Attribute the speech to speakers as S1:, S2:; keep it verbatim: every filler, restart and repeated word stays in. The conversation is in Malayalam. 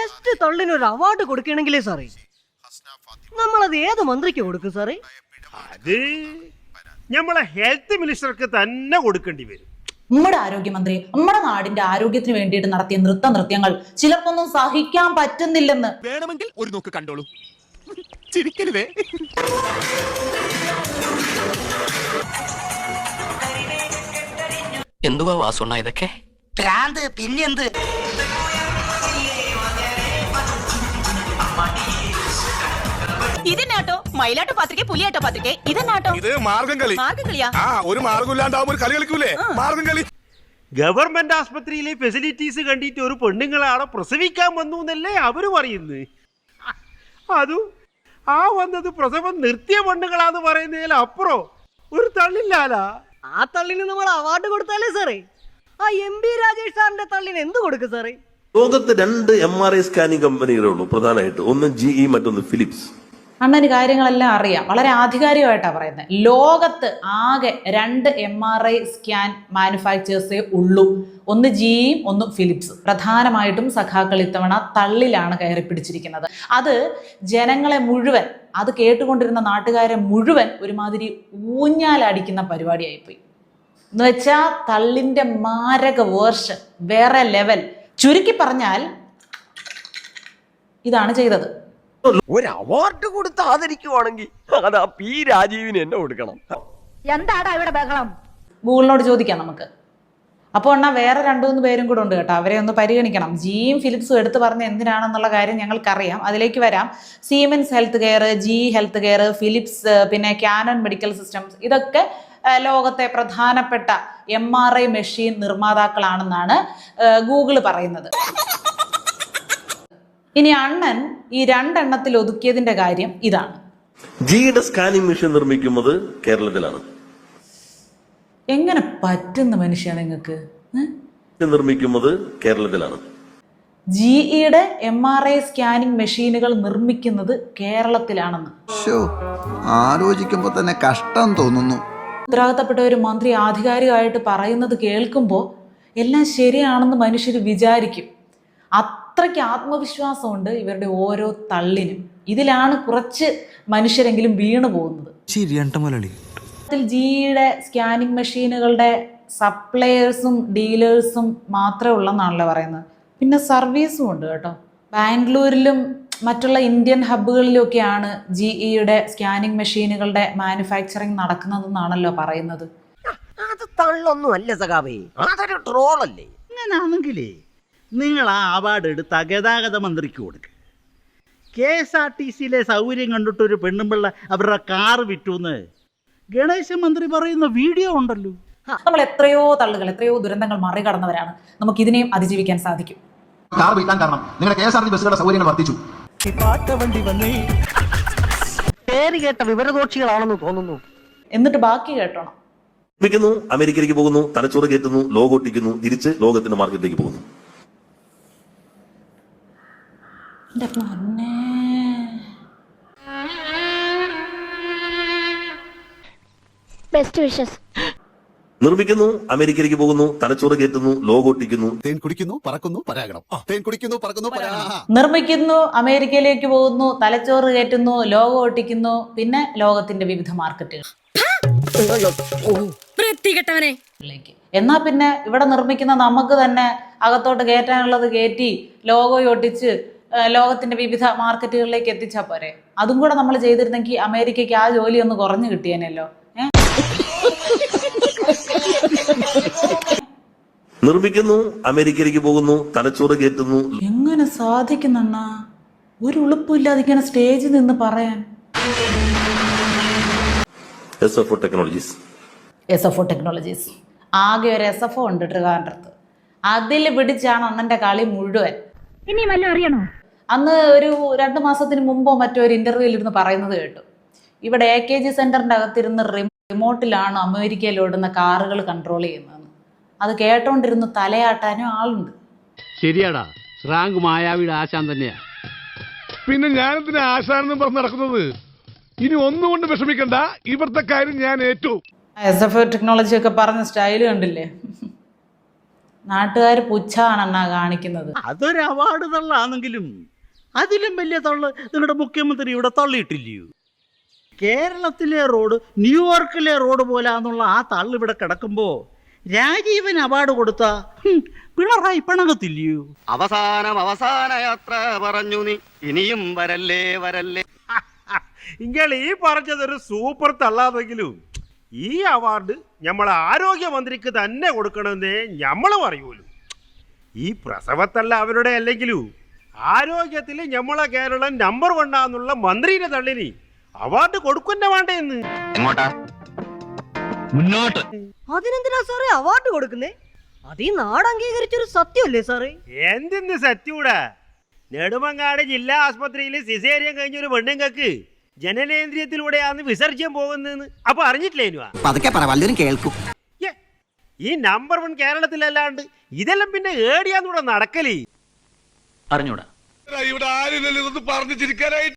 S1: ബെസ്റ്റ് തള്ളിന് ഒരു അവാർഡ് കൊടുക്കണമെങ്കിലേ സാറേ നമ്മളത് ഏത് മന്ത്രിക്ക് കൊടുക്കും സാറേ?
S2: അത് നമ്മളെ ഹെൽത്ത് മിനിസ്റ്റർക്ക് തന്നെ കൊടുക്കേണ്ടി വരും.
S3: നമ്മുടെ ആരോഗ്യമന്ത്രി നമ്മുടെ നാടിന്റെ ആരോഗ്യത്തിന് വേണ്ടിയിട്ട് നടത്തിയ നൃത്ത നൃത്യങ്ങൾ ചിലർക്കൊന്നും സഹിക്കാൻ പറ്റുന്നില്ലെന്ന്.
S4: വേണമെങ്കിൽ ഒരു നോക്ക് കണ്ടോളൂ, ചിരിക്കരുതേ.
S5: എന്തുവാ വാസുണ്ണ ഇതൊക്കെ?
S6: ഭ്രാന്ത് പിന്നെന്ത്?
S7: ഇതെന്നാട്ടോ മയിലാട്ടോ പാത്രിക പുലിയാട്ടോ പാത്രിക ഇതെന്നാട്ടോ?
S4: ഇത് മാർഗം കളി.
S7: മാർഗം കളിയാ?
S4: ആ, ഒരു മാർഗം ഇല്ലാണ്ടാവുമ്പോ ഒരു കളി കളിക്കൂലേ, മാർഗം കളി.
S2: ഗവൺമെന്റ് ആസ്പത്രിയിലെ ഫെസിലിറ്റീസ് കണ്ടിട്ട് ഒരു പെണ്ണുങ്ങളാണ് പ്രസവിക്കാൻ വന്നു എന്നല്ലേ അവര് പറയുന്നത്. അതും ആ വന്നത് പ്രസവം നിർത്തിയ പെണ്ണുങ്ങളാന്ന് പറയുന്നതിൽ അപ്പുറം ഒരു തള്ളില്ലാലാ.
S1: ആ തള്ളിന് നമ്മൾ അവാർഡ് കൊടുത്താലേ സാറേ ആ എം ബി രാജേഷ് സാറിന്റെ തള്ളിന് എന്ത് കൊടുക്കും സാറേ?
S8: ലോകത്ത് രണ്ട് എം ആർ ഐ സ്കാനിങ് കമ്പനികളേ ഉള്ളൂ പ്രധാനമായിട്ട്, ഒന്ന് ജി ഇ മറ്റൊന്ന് ഫിലിപ്സ്.
S3: അണ്ണന് കാര്യങ്ങളെല്ലാം അറിയാം, വളരെ ആധികാരികമായിട്ടാണ് പറയുന്നത്. ലോകത്ത് ആകെ രണ്ട് എം ആർ ഐ സ്കാൻ മാനുഫാക്ചേഴ്സേ ഉള്ളൂ, ഒന്ന് ജിയും ഒന്ന് ഫിലിപ്സ്. പ്രധാനമായിട്ടും സഖാക്കൾ ഇത്തവണ തള്ളിലാണ് കയറി പിടിച്ചിരിക്കുന്നത്. അത് ജനങ്ങളെ മുഴുവൻ, അത് കേട്ടുകൊണ്ടിരുന്ന നാട്ടുകാരെ മുഴുവൻ ഒരുമാതിരി ഊഞ്ഞാലടിക്കുന്ന പരിപാടിയായിപ്പോയി. എന്ന് വെച്ചാൽ തള്ളിന്റെ മാരക വേർഷൻ, വേറെ ലെവൽ. ചുരുക്കി പറഞ്ഞാൽ ഇതാണ് ചെയ്തത്.
S6: ഒരു അവാർഡ് കൊടുത്ത് ആദരിക്കുവാണെങ്കിൽ അത് ആ പി രാജീവിന് എന്നെ കൊടുക്കണം.
S7: എന്താടാ ഇവിടെ ബഹളം?
S3: ഗൂഗിളിനോട് ചോദിക്കാം നമുക്ക്. അപ്പോൾ എന്നാ വേറെ രണ്ടു മൂന്ന് പേരും കൂടെ ഉണ്ട് കേട്ടോ, അവരെ ഒന്ന് പരിഗണിക്കണം. ജിയും ഫിലിപ്സും എടുത്തു പറഞ്ഞ എന്തിനാണെന്നുള്ള കാര്യം ഞങ്ങൾക്കറിയാം, അതിലേക്ക് വരാം. Siemens health care, G health care, Philips, പിന്നെ കാനൺ മെഡിക്കൽ സിസ്റ്റംസ്, ഇതൊക്കെ ലോകത്തെ പ്രധാനപ്പെട്ട എം ആർ ഐ മെഷീൻ നിർമ്മാതാക്കളാണെന്നാണ് ഗൂഗിൾ പറയുന്നത്. ഇനി അണ്ണൻ ഈ രണ്ടെണ്ണത്തിൽ ഒതുക്കിയതിന്റെ കാര്യം ഇതാണ്.
S8: ജിയുടെ സ്കാനിങ് മെഷീൻ നിർമ്മിക്കുന്നത് കേരളത്തിലാണ്.
S3: എങ്ങനെ പറ്റുന്ന മനുഷ്യ നിങ്ങൾക്ക്?
S8: നിർമ്മിക്കുന്നത് കേരളത്തിലാണ്.
S3: ജിഇയുടെ എം ആർ ഐ സ്കാനിങ് മെഷീനുകൾ നിർമ്മിക്കുന്നത് കേരളത്തിലാണെന്ന്
S9: ആലോചിക്കുമ്പോ തന്നെ കഷ്ടം തോന്നുന്നു.
S3: ഉത്തരവാദിത്തപ്പെട്ട ഒരു മന്ത്രി ആധികാരികമായിട്ട് പറയുന്നത് കേൾക്കുമ്പോൾ എല്ലാം ശരിയാണെന്ന് മനുഷ്യർ വിചാരിക്കും. അത്രയ്ക്ക് ആത്മവിശ്വാസമുണ്ട് ഇവരുടെ ഓരോ തള്ളിനും. ഇതിലാണ് കുറച്ച് മനുഷ്യരെങ്കിലും വീണു പോകുന്നത്. ജിയുടെ സ്കാനിങ് മെഷീനുകളുടെ സപ്ലയേഴ്സും ഡീലേഴ്സും മാത്രമേ ഉള്ളെന്നാണല്ലോ പറയുന്നത്. പിന്നെ സർവീസും ഉണ്ട് കേട്ടോ. ബാംഗ്ലൂരിലും മറ്റുള്ള ഇന്ത്യൻ ഹബ്ബുകളിലൊക്കെയാണ് ജിഇയുടെ സ്കാനിങ് മെഷീനുകളുടെ മാനുഫാക്ചറിങ് നടക്കുന്നതെന്നാണല്ലോ പറയുന്നത്.
S6: അത് തള്ളൊന്നും അല്ല സഖാവേ, അതൊരു ട്രോളല്ലേ.
S10: അങ്ങനാണെങ്കിലേ നിങ്ങൾ ആ അവാർഡ് എടുത്ത് ഗതാഗത മന്ത്രിക്ക് കൊടുക്കുക. കെ എസ് ആർ ടി സിയിലെ സൗകര്യം കണ്ടിട്ടൊരു പെണ്ണുമ്പിള്ള അവരുടെ കാറ് വിറ്റുന്ന് ഗണേശ മന്ത്രി പറയുന്ന വീഡിയോ ഉണ്ടല്ലോ.
S3: നമ്മൾ എത്രയോ തള്ളുകൾ, എത്രയോ ദുരന്തങ്ങൾ മറികടന്നവരാണ്. നമുക്ക് ഇതിനെയും അതിജീവിക്കാൻ സാധിക്കും.
S9: കാർ വിൽക്കാൻ കാരണം നിങ്ങളുടെ കെ എസ് ആർ ടി ബസ്സുകളുടെ സൗകര്യങ്ങൾ വർദ്ധിച്ചു.
S6: പേര് കേട്ട വിവരദോഷികളാണെന്ന് തോന്നുന്നു.
S3: എന്നിട്ട് ബാക്കി കേട്ടോണം.
S8: നിർമ്മിക്കുന്നു, അമേരിക്കയിലേക്ക് പോകുന്നു, തലച്ചോറ് കയറ്റുന്നു, ലോഗോ ഒട്ടിക്കുന്നു, തിരിച്ച് ലോകത്തിന്റെ മാർക്കറ്റിലേക്ക് പോകുന്നു.
S7: Best wishes.
S8: നിർമ്മിക്കുന്നു, അമേരിക്കയിലേക്ക് പോകുന്നു, തലച്ചോറ് കയറ്റുന്നു, ലോഗോ ഒട്ടിക്കുന്നു.
S9: തേൻ കുടിക്കുന്നു, പറക്കുന്നു, പരാഗണം. തേൻ കുടിക്കുന്നു, പറക്കുന്നു, പരാഗണം.
S3: നിർമ്മിക്കുന്നു, അമേരിക്കയിലേക്ക് പോകുന്നു, തലച്ചോറ് കയറ്റുന്നു, ലോഗോ ഒട്ടിക്കുന്നു, പിന്നെ ലോകത്തിന്റെ വിവിധ മാർക്കറ്റുകൾ. എന്നാ പിന്നെ ഇവിടെ നിർമ്മിക്കുന്ന നമുക്ക് തന്നെ അകത്തോട്ട് കയറ്റാനുള്ളത് കയറ്റി ലോഗോ ഒട്ടിച്ച് ലോകത്തിന്റെ വിവിധ മാർക്കറ്റുകളിലേക്ക് എത്തിച്ചാൽ പോരെ? അതും കൂടെ നമ്മൾ ചെയ്തിരുന്നെങ്കിൽ അമേരിക്കയ്ക്ക് ആ ജോലി ഒന്ന് കുറഞ്ഞു കിട്ടിയേനല്ലോ.
S8: നിർമ്മിക്കുന്നു, അമേരിക്കയിലേക്ക് പോകുന്നു, തലച്ചോറ് കയറ്റുന്നു.
S3: എങ്ങനെ സാധിക്കുന്ന ഒരു ഉളുപ്പില്ലാതെ ഇങ്ങനെ സ്റ്റേജിൽ നിന്ന് പറയാൻ?
S8: S F O technologies.
S3: S F O technologies ആകെ ഒരു എസ് എഫ് ഒ ഉണ്ട് ട്രിവാൻഡ്രത്ത്. അതിൽ പിടിച്ചാണ് അണ്ണന്റെ കളി മുഴുവൻ.
S7: ഇനി വല്ലതും അറിയണോ?
S3: അന്ന് ഒരു രണ്ടു മാസത്തിന് മുമ്പോ മറ്റോ ഒരു ഇന്റർവ്യൂവിൽ ഇരുന്ന് പറയുന്നത് കേട്ടു, ഇവിടെ എ കെ ജി സെന്ററിന്റെ അകത്തിരുന്ന് റിമോട്ടിലാണ് അമേരിക്കയിൽ ഓടുന്ന കാറുകൾ കൺട്രോൾ ചെയ്യുന്നതെന്ന്. അത് കേട്ടോണ്ടിരുന്ന് തലയാട്ടാനും ആളുണ്ട്.
S11: ശരിയാടാ, റാങ്ക് മായാവിയുടെ ആശാൻ തന്നെയാ.
S4: പിന്നെ ഞാനെന്തിനാ ആശാനെന്ന് പറഞ്ഞ് നടക്കുന്നത്? ഇനി ഒന്നുകൊണ്ട് വിഷമിക്കണ്ട, ഇവിടുത്തെ കാര്യം ഞാൻ ഏറ്റു.
S3: എസ് എഫ് ഒ ടെക്നോളജി ഒക്കെ പറഞ്ഞ സ്റ്റൈല് കണ്ടില്ലേ? നാട്ടുകാർ പുച്ഛാണെന്നാ കാണിക്കുന്നത്.
S10: അതൊരു അവാർഡ് തള്ളാണെങ്കിലും അതിലും വലിയ തള്ള് നിങ്ങളുടെ മുഖ്യമന്ത്രി ഇവിടെ തള്ളിയിട്ടില്ലയോ? കേരളത്തിലെ റോഡ് ന്യൂയോർക്കിലെ റോഡ് പോലാന്നുള്ള ആ തള്ള് ഇവിടെ കിടക്കുമ്പോ രാജീവൻ അവാർഡ് കൊടുത്ത പിണറായി പിണങ്ങത്തില്ലയോ?
S6: അവസാനം അവസാന യാത്ര പറഞ്ഞു നീ ഇനിയും വരല്ലേ വരല്ലേ.
S2: ഇങ്ങൾ ഈ പറഞ്ഞതൊരു സൂപ്പർ തള്ളാതെങ്കിലും ഈ അവാർഡ് നമ്മളെ ആരോഗ്യമന്ത്രിക്ക് തന്നെ കൊടുക്കണമെന്നേ നമ്മൾ പറയൂലു. ഈ പ്രസവത്തല്ല അവരുടെ അല്ലെങ്കിലും ആരോഗ്യത്തിൽ നമ്മളെ കേരളം നമ്പർ വണ്ണാന്നുള്ള മന്ത്രിയുടെ തള്ളിനി അവാർഡ് കൊടുക്കുന്ന വേണ്ടേന്ന്.
S6: എങ്ങോട്ടാ? മുന്നോട്ട്.
S1: അതിനെന്തിനാ സാറേ അവാർഡ് കൊടുക്കുന്നേ? അത് ഈ നാട് അംഗീകരിച്ചൊരു സത്യമല്ലേ സാറേ?
S2: എന്തിന്ന് സത്യൂടാ? നെടുമങ്ങാട് ജില്ലാ ആസ്പത്രിയിൽ സിസേറിയൻ കഴിഞ്ഞൊരു പെണ്ണുങ്ങൾക്ക് ജനനേന്ദ്രിയത്തിലൂടെയാണ് വിസർജ്യം പോകുന്നതെന്ന് അപ്പൊ അറിഞ്ഞിട്ടില്ലേനുവാ?
S6: പതുക്കെ പറ, വല്ലവരും കേൾക്കും.
S2: ഈ നമ്പർ വൺ കേരളത്തിലല്ലാണ്ട് ഇതെല്ലാം പിന്നെ ഏടിയാന്നൂടെ നടക്കലേ?
S11: അറിഞ്ഞൂടാ.
S4: ഇവിടെ ആരില്ലല്ലോ ഇതൊന്ന് പറഞ്ഞു ചിരിക്കാനായിട്ട്.